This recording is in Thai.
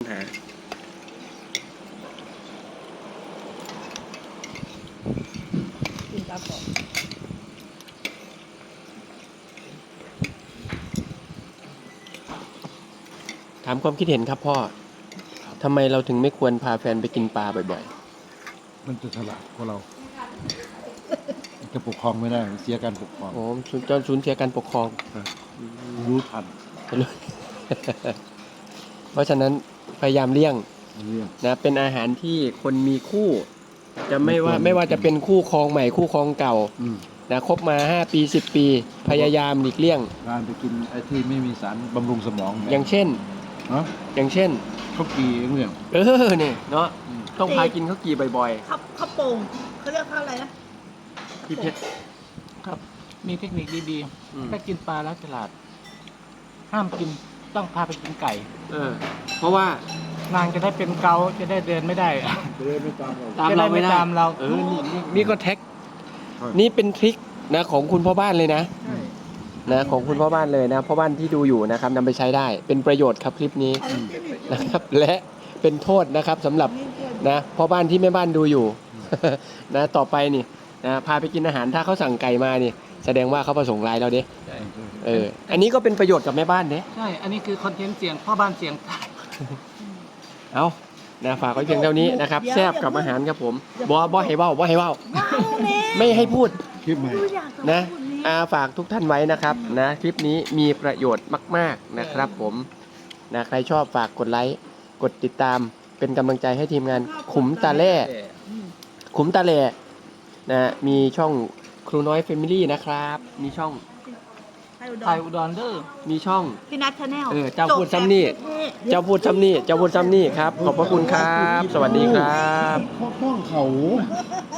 นะกินปลาปอกถามความคิดเห็นครับพ่อทำไมเราถึงไม่ควรพาแฟนไปกินปลาบ่อยมันจะฉลาดกว่าเรามันจะปกครองไม่ได้เสียการปกครองๆโอ้จนสูญเสียการปกครองรู้ทันเพราะฉะนั้นพยายามเลี่ยงเรื่องนะเป็นอาหารที่คนมีคู่ จะไม่ว่าไม่ควรไม่ว่าจะเป็นคู่ครองใหม่คู่ครองเก่าอืมนะคบมา5 ปี 10 ปี พยายามหลีกเลี่ยงการไปกินไอ้ที่ไม่มีสารบำรุงสมองอย่างเช่นเนาะอย่างเช่นข้าวกีเรื่องนี่เนาะต้องพากินข้าวกีบ่อยข้าวโป่งเขาเรียกข้าวอะไรนะๆพี่เพชรครับมีเทคนิคดีอืมๆถ้ากินปลาแล้วฉลาด ห้ามกินต้องพาไปกินไก่เพราะว่านางจะได้เป็นเกาจะได้เดินไม่ได้จะได้ไม่ตามเราตามเราไม่ได้จะได้ไม่ตามเรานี่ก็แท็ก นี่เป็นทริคนะของคุณพ่อบ้านเลยนะใช่นะของคุณพ่อบ้านเลยนะพ่อบ้านที่ดูอยู่นะครับนำไปใช้ได้เป็นประโยชน์ครับคลิปนี้นะครับ และเป็นโทษนะครับสำหรับนะพ่อบ้านที่แม่บ้านดูอยู่ นะต่อไปนี่นะพาไปกินอาหารถ้าเขาสั่งไก่มานี่ แสดงว่าเขาประสงค์ร้ายเราเด้อันนี้ก็เป็นประโยชน์กับแม่บ้านเด้ใช่ อันนี้คือคอนเทนต์เสียงพ่อบ้านเสียงใต้เอานะฝากไว้เพียงเท่านี้นะครับแซ่บกับอาหารครับผมบ่ให้เว้าไม่ให้พูดคลิปใหม่ดูอยากจะนะพูดนี้ฝากทุกท่านไว้นะครับนะคลิปนี้มีประโยชน์มากๆนะครับผมนะใครชอบฝากกดไลค์กดติดตามเป็นกำลังใจให้ทีมงานขุมตาแล่ขุมตาแล่นะมีช่องครูน้อยเฟมิลี่นะครับ มีช่องไทยอุดรเดอร์มีช่องพี่นัทชาแนลเจ้าพูดซ้ำนี่ เจ้าพูดซ้ำนี่ครับ ขอบพระคุณครับ สวัสดีครับข้องเขา